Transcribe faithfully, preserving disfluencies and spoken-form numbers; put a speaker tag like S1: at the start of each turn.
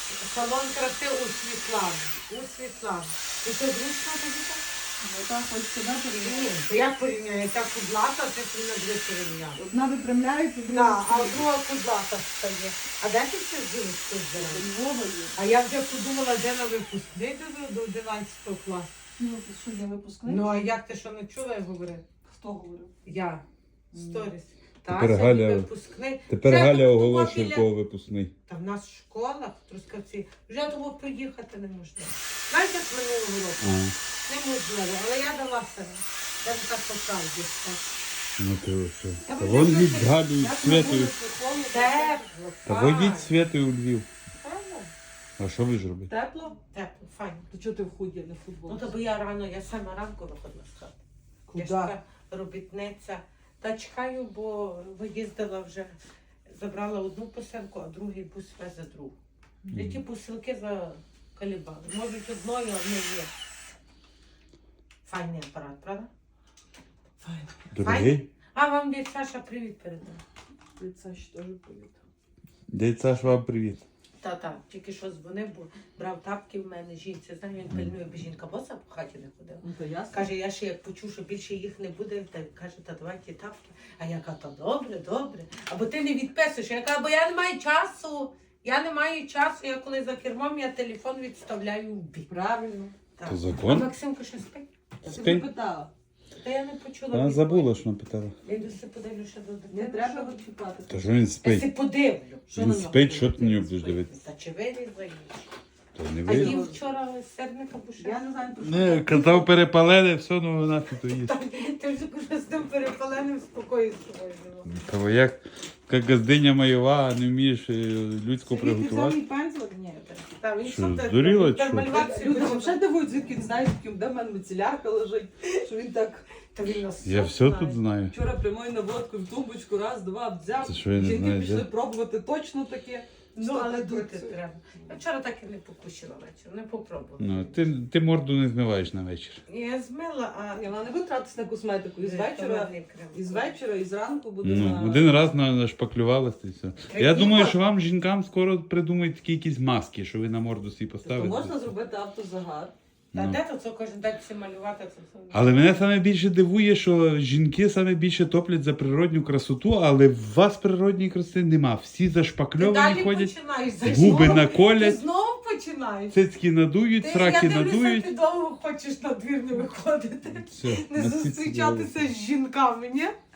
S1: Салон краси у Світлани. У Світлани. І що, зручно тобі так?
S2: Ну так, хоч сюди порівняти.
S1: Ні, то я порівняю, яка кудлата, це ти не буде порівняти.
S2: Одна виправляється, друга.
S1: Так, а друга кудлата стає. А де ти це жіночку збираєш?
S2: Львова є.
S1: А я вже подумала, де на випускний до- до одинадцятого класу.
S2: Ну, ти що, я випускник?
S1: Ну, а як ти що не чула, я говорила?
S2: Хто говорив?
S1: Я. Сторіс.
S3: Тепер
S1: Та,
S3: Галя-
S1: сьогодні випускний.
S3: Тепер
S1: Вже
S3: Галя
S1: тому
S3: оголошує,
S1: біля-
S3: кого випускний.
S1: Та в нас в школах, в Трускавці, вже того приїхати неможливо. Знаєш, як минулого року?
S3: Ага.
S1: Неможливо, але я дала себе. Я ж так по правді. так.
S3: Ну то що?
S1: Я
S3: Та
S1: б
S3: вон
S1: вже
S3: від
S1: щось-
S3: Галю
S2: Як на
S3: Святою.
S2: вулиці холодно,
S1: Тепло,
S3: Та
S1: файно.
S3: водіть Святою у Львів.
S1: Файно.
S3: А що ви ж робите?
S2: Тепло?
S1: Тепло, файно.
S2: То чого ти в худі, а не в футболці?
S1: Ну, то бо я рано, я сама ранку виходила з хати. Я ж
S2: Куда?
S1: така робітниця. Та чекаю, бо виїздила вже, забрала одну посилку, а другий бус везе другу. І ті посилки закалібали. Можуть одною, а в неї є. Файний апарат, правда?
S2: Файно.
S3: Дорогий?
S1: А вам від Саша привіт передав.
S2: Це ж теж повітря.
S3: Дядь Саш, вам привіт.
S1: Та-та, тільки що дзвонив, бо брав тапки в мене жінці. Знаю, він пильнує, бо жінка боса по хаті не ходила.
S2: Ну, то ясно.
S1: Каже, я ще як почув, що більше їх не буде, та каже, та давай ті тапки. А я кажу, та добре, добре. Або ти не відписуєш. Я кажу, бо я не маю часу. Я не маю часу. Я коли за кермом, я телефон відставляю в бік.
S2: Правильно.
S1: Так.
S3: То
S1: А
S3: закон?
S1: Максимка що спить?
S2: Ти
S3: Спи.
S2: питала.
S1: Та я не почула.
S3: Вона
S1: відповіді.
S3: забула, що напитала.
S1: Я йду все подивлю, що до дитини.
S2: Не треба
S1: що-
S2: його чіпати.
S3: Та що він
S1: Я все
S3: спить?
S1: подивлю.
S2: Що
S3: Він
S2: на нього
S3: спить, що ти на нього
S2: дивитися?
S3: будеш дивитися?
S1: Та чи вирізаєш?
S3: То не
S1: А
S3: ви.
S1: їм вчора серника буше.
S2: Я не знаю, про що.
S3: Не, казав перепалене, все, ну нафіг то їсть.
S1: Ти вже вже з тим перепаленим спокою з собою жила.
S3: Та як, як газдиня майова, не вмієш е, людську приготувати.
S2: Самий пензлик? Ні.
S1: Та, він
S3: Що,
S1: що те-
S3: здуріла,
S1: тепер
S3: чи?
S1: малювати
S2: Люди
S1: буде.
S2: взагалі дивують, звідки він знає, звідки де в мене мицелярка лежить, що він так
S1: Та він нас
S3: Я все тут знаю.
S2: вчора прямою наводкою в тумбочку, раз, два, взяв.
S3: Це що я не
S2: Жінки
S3: знаю,
S2: пішли
S3: де?
S2: пробувати точно таке.
S1: Ну,
S2: Що
S1: але
S2: так
S1: дути
S2: працює?
S1: треба. Я вчора так і не покусила вечір, не попробувала.
S3: Ну, ти, ти морду не змиваєш на вечір.
S1: Я змила, а...
S2: Ні, вона не буде тратитися на косметику. І з
S1: Ні,
S2: вечора,
S1: томатний крем.
S2: і з вечора, і зранку буде
S3: Ну,
S2: на...
S3: один раз на- нашпаклювалася і все.
S1: Та
S3: Я
S1: ні,
S3: думаю,
S1: бо-
S3: що вам, жінкам, скоро придумають такі якісь маски, що ви на морду собі
S2: Тобто
S3: поставите.
S2: можна зробити автозагар.
S1: Та
S3: Ну.
S1: де то це кожен день всі малювати? Це все.
S3: Але мене саме більше дивує, що жінки саме більше топлять за природню красоту, але в вас природньої краси нема. Всі
S1: Ти
S3: зашпакльовані
S1: далі
S3: ходять,
S1: починаєш. за
S3: губи
S1: що? Ти
S3: наколять,
S1: знову починаєш.
S3: цицьки надують,
S1: Ти,
S3: сраки
S1: я дивлюся,
S3: надують.
S1: ти довго хочеш на двір не виходити.
S3: Все,
S1: Не
S3: на цицьки
S1: зустрічатися з жінками, ні?